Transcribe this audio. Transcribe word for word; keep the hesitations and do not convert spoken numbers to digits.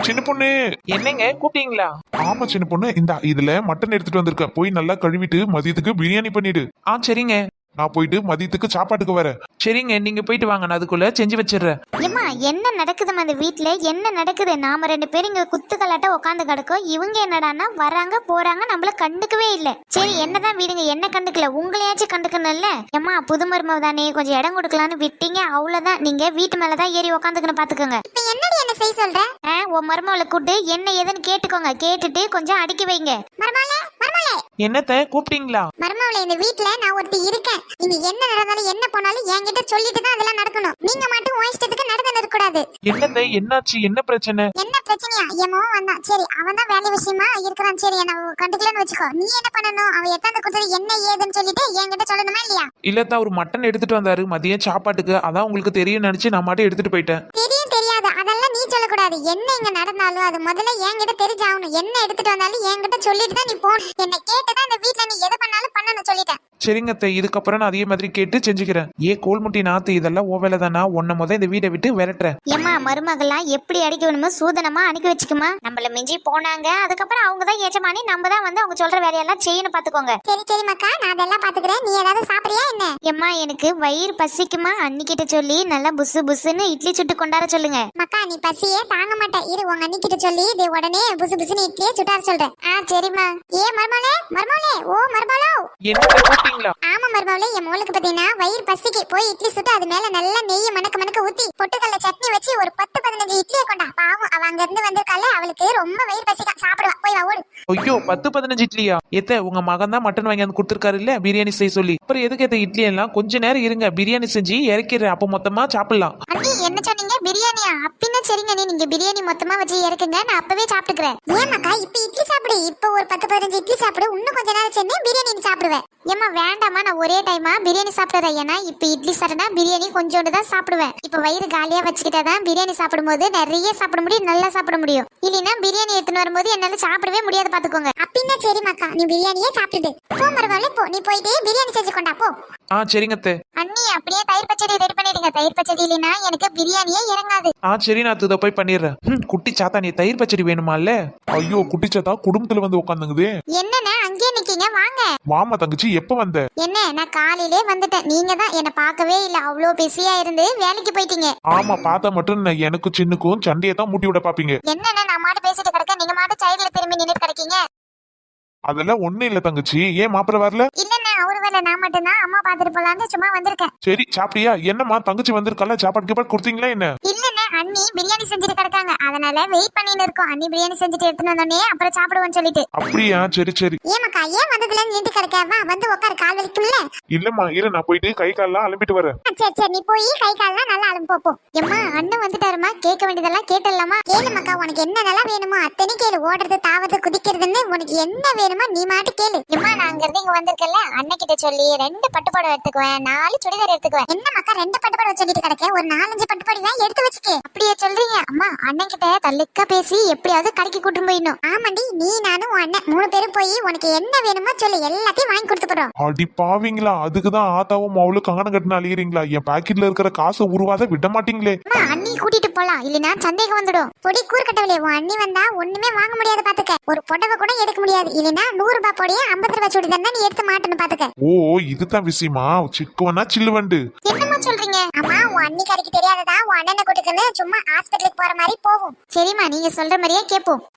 சின்ன பொண்ணு. என்னங்க கூப்பிட்டீங்களா? ஆமா சின்ன பொண்ணு, இந்த இதுல மட்டன் எடுத்துட்டு வந்திருக்கேன், போய் நல்லா கழுவிட்டு மதியத்துக்கு பிரியாணி பண்ணிடு. ஆ சரிங்க. நான் போயிட்டு மதியத்துக்கு சாப்பாட்டுக்கு வரேன். சரிங்க, நீங்க போயிட்டு வாங்க, நான் அதுக்குள்ள செஞ்சு வச்சிடுறேன். ஏம்மா என்ன நடக்குதுமா அந்த வீட்ல? என்ன நடக்குது? நாம ரெண்டு பேரும் இங்க குத்துக்கலாட்ட உட்காந்து கிடக்கோம். இவங்க என்னடான்னா வராங்க போறாங்க, நம்மள கண்டுக்கவே இல்ல. சரி என்னதான் வீடுங்க, என்ன கண்டுக்கல, உங்களையாச்சும் கண்டுக்கணும்ல. ஏம்மா புது மருமவ தானே, கொஞ்சம் இடம் கொடுக்கலான்னு விட்டீங்க, அவ்வளவுதான். நீங்க வீட்டு மேலதான் ஏறி உட்காந்துக்கணும் பாத்துக்கோங்க. இப்ப என்னடி என்ன செய்ய சொல்ற? உன் மருமவளை கூட்டு என்ன ஏதுன்னு கேட்டுக்கோங்க, கேட்டுட்டு கொஞ்சம் அடுக்கி வைங்க. மருமவளே மருமவளே. என்னத்த கூப்பிட்டீங்களா? மருமவளே, இந்த வீட்ல நான் ஒருத்தி இருக்கேன். நீங்க என்ன நடந்தாலும் என்ன போனாலும் என்கிட்ட சொல்லிட்டு தான் அதெல்லாம் நடக்கணும். நீங்க மட்டும் உன் இஷ்டத்துக்கு நடந்து நிற்க கூடாது. என்னத்த என்னாச்சு, என்ன பிரச்சனை? என்ன பிரச்சனையா? ஏமோ வந்தான், சரி அவன் தான் வேலை விஷயமா இருக்கிறான், சரி என்ன கண்டுக்கலன்னு வச்சுக்கோ. நீ என்ன பண்ணணும், அவன் எத்தாந்து கொடுத்தது என்ன ஏதுன்னு சொல்லிட்டு என்கிட்ட சொல்லணுமா இல்லையா? இல்லத்தான் ஒரு மட்டன் எடுத்துட்டு வந்தாரு மதியம் சாப்பாட்டுக்கு, அதான் உங்களுக்கு தெரியும் நினைச்சு நான் மாட்டே எடுத்துட்டு போயிட்டேன். தெரியும் தெரியாது அதெல்லாம் நீ சொல்லக்கூடாது. என்ன இங்க நடந்தாலும் அது முதல்ல என்கிட்ட தெரிஞ்சாகணும். என்ன எடுத்துட்டு வந்தாலும் என்கிட்ட சொல்லிட்டு தான் நீ போகணும். என்ன கேட்டுதான் இந்த வீட்டுல நீ எதை பண்ணாலும் பண்ணணும் சொல்லிட்டேன். சரிங்கத்த, இதுக்கப்புறம் நான் அதே மாதிரி கேட்டு செஞ்சுக்கிறேன். ஏ கோல்முட்டி நாத்து, இதெல்லாம் ஓ வேலை தானா? உன்ன முத இந்த வீட்டை விட்டு விரட்டுறேன். ஏமா மருமகள்லாம் எப்படி அடிக்க வேணுமோ சூதனமா அனுப்பி வச்சுக்குமா. நம்மள மிஞ்சி போனாங்க, அதுக்கப்புறம் அவங்க தான் ஏஜமானி, நம்ம தான் வந்து அவங்க சொல்ற வேலையெல்லாம் செய்யணும் பாத்துக்கோங்க. சரி சரி மக்கா, நான் அதெல்லாம் பாத்துக்கிறேன். நீ ஏதாவது சாப்பிடுறியா என்ன? ஏம்மா எனக்கு வயிறு பசிக்குமா, அன்னிக்கிட்ட சொல்லி நல்லா புசு புசுன்னு இட்லி சுட்டு கொண்டாட சொல்லுங்க. மக்கா நீ பசியே தாங்க மாட்டேன், இரு உங்க அன்னிக்கிட்ட சொல்லி இது உடனே புசு புசுன்னு இட்லியே சுட்டார சொல்றேன். ஆ சரிம்மா. ஏ மருமகளே மருமகளே, ஓ மருமகளோ. என்ன கூப்பிட்டீங்களா? ஆமா மருமகளே, என் மோளுக்கு பாத்தீங்கன்னா வயிறு பசிக்கு, போய் இட்லி சுட்டு அது மேல நல்லா நெய்ய மணக்க மணக்க ஊத்தி பொட்டுக்கல்ல சட்னி வச்சு ஒரு பத்து பதினஞ்சு இட்லியை கொண்டா. பாவம் அவ அங்க இருந்து வந்திருக்கால, அவளுக்கு ரொம்ப வயிறு பசிக்கா, சாப்பிடுவா. போய் வா ஓடு. ஐயோ பத்து பதினஞ்சு இட்லியா? எத்த உங்க மகன் தான் மட்டன் வாங்கி வந்து கொடுத்துருக்காரு இல்ல பிரியாணி செய்ய சொல்லி, அப்புறம் எதுக்கு எத்த இட்லி எல்லாம்? கொஞ்ச நேரம் இருங்க, பிரியாணி செஞ்சு இறக்கிறேன், அப்ப மொத்தமா சாப்பிடலாம். அண்ணி என்ன சொன்னீங்க, பிரியாணியா? அப்படின்னா சரிங்க, நீ நீங்க பிரியாணி மொத்தமா வச்சு இறக்குங்க, நான் அப்பவே சாப்பிட்டுக்கிறேன். ஏமாக்கா இப்ப இட்லி சாப்பிடு, இப்ப ஒரு பத்து பதினஞ்சு இட்லி சாப்பிடு, இன்னும் கொஞ்ச நேரம் சென்று பிரியாணி நீ சாப்பிடுவேன். ஏமா வேண்டாமா, நான் ஒரே டைமா பிரியாணி சாப்பிடுறேன். ஏன்னா இப்ப இட்லி சாப்பிட்டா பிரியாணி கொஞ்சோண்டு தான் சாப்பிடுவேன். இப்ப வயிறு காலியா வச்சுக்கிட்டாதான் பிரியாணி சாப்பிடும் போது நிறைய சாப்பிட முடியும், நல்லா சாப்பிட முடியும். இல்லைன்னா பிரியாணி எடுத்துன்னு வரும்போது என்னால சாப்பிடவே முடியாது பாத்துக்கோங்க. அப்படின்னா சரி மக்கா, நீ பிரியாணியே சாப்பிட்டுட்டு போ. மறுவாள் போ, நீ போயிட்டு பிரியாணி செஞ்சு கொண்டா போ. ஆ சரிங்கத்த. அண்ணி அப்படியே தயிர் பச்சடி ரெடி பண்ணிடுங்க. தயிர் பச்சடி இல்லைன்னா எனக்கு பிரியாணியே இறங்காது. ஆ சரி, நான் இதை போய் பண்ணிடுறேன். ம், குட்டி சாத்தா நீ தயிர் பச்சடி வேணுமா இல்ல? ஐயோ குட்டிச்சாத்தா குடும்பத்துல வந்து உட்காந்துங்குதே. என்னண்ணே அங்கேயே நிக்கீங்க, வாங்க. வாமா தங்கச்சி, எப்ப வந்த? என்ன நான் காலையிலே வந்துட்டேன், நீங்க தான் என்ன பார்க்கவே இல்ல, அவ்வளோ பிஸியா இருந்து வேலைக்கு போயிட்டீங்க. ஆமா பார்த்தா மட்டும் நான் எனக்கும் சின்னுக்கும் சண்டையை தான் மூட்டி விட பாப்பீங்க. என்னண்ணே நான் மாட்டு பேசிட்டு கிடக்க, நீங்க மாட்டு சைடுல திரும்பி நின்னுட்டு கிடக்கீங்க. அதெல்லாம் ஒண்ணு இல்ல தங்கச்சி, ஏன் மாப்பிள்ள வரல? இல்லண்ணே அவரு வேலை, நான் மட்டும் தான் அம்மா பாத்துட்டு போலான்னு சும்மா வந்திருக்கேன். சரி சாப்பிட்டியா? என்னம்மா தங்கச்சி வந்திருக்கல, சாப்பாடு கீப்பாடு கொடுத்தீங்களா என்ன? இல்லண்ணே அண்ணி பிரியாணி செஞ்சுட்டு கிடக்காங்க, அதனால வெயிட் பண்ணின்னு இருக்கோம். அண்ணி பிரியாணி செஞ்சுட்டு எடுத்துன்னு வந்தோடனே அப்புறம் சாப்பிடுவோம்னு சொல்லிட்டு. அப்படியா? சரி சரி. ஏமாக்கா ஏன் வந்ததுல நின்று கிடக்காவா, வந்து உட்காரு, கால் வலிக்கும்ல. இல்லம்மா இரு, நான் போயிட்டு கை கால்லாம் அலம்பிட்டு வரேன். சரி சரி, நீ போய் கை கால்லாம் நல்லா அலம்பு போ. எம்மா அண்ணன் வந்துட்டாருமா, கேட்க வேண்டியதெல்லாம் கேட்டலாமா? கேளுமாக்கா, உனக்கு என்னென்னலாம் வேணுமோ அத்தனை கேளு. ஓடுறது தாவது குதிக்கிறதுன்னு உனக்கு என்ன வேணுமோ நீ மாட்டு கேளு. எம்மா நான் அங்க இருந்து இங்க வந்திருக்கல, அண்ணன் கிட்ட சொல்லி ரெண்டு பட்டுப்பாடு எடுத்துக்குவேன், நாலு சுடிதார் எடுத்துக்குவேன். என்னமாக்கா ரெண்டு பட்டுப்பாடு சொல்லிட்டு கிடக்க, ஒரு நாலஞ்சு பட்டுப்பாடு தான் எடுத்து வச்சுக்கே. அப்படியே சொல்றீங்க? அம்மா அண்ணன் கிட்ட தள்ளுக்கா பேசி எப்படியாவது கடைக்கு கூட்டு போயிடணும். ஆமாண்டி, நீ நானும் அண்ணன் மூணு பேரும் போய் உனக்கு என்ன வேணுமோ சொல்லு, எல்லாத்தையும் வாங்கி கொடுத்து போறோம். அடி பாவீங்களா, அதுக்குதான் ஆத்தாவும் அவளும் கங்கணம் கட்டின அழியறீங்களா? என் பாக்கெட்ல இருக்கிற காசை உருவாத விட மாட்டீங்களே. அண்ணி கூட்டிட்டு போலாம், இல்லனா சந்தேகம் வந்துடும். பொடி கூறுகட்டவளே, உன் அண்ணி வந்தா ஒண்ணுமே வாங்க முடியாது பாத்துக்க. ஒரு புடவை கூட எடுக்க முடியாது, இல்லனா நூறு ரூபாய் பொடியே ஐம்பது ரூபாய் சுடிதார் நீ எடுத்து மாட்டணும் பாத்துக்க. ஓ இதுதான் விஷயமா? சிக்குவனா சில்லுவண்டு என்னமா சொல்றீங்க? அம்மா உன் அண்ணி கடைக்கு தெரியாததா உன் அண்ணனை கூட்டுக்குன்னு சும்மா ஹாஸ்பிட்டலுக்கு போற மாதிரி போவோம். சரிம்மா நீங்க சொல்ற மாதிரியே கேப்போம்.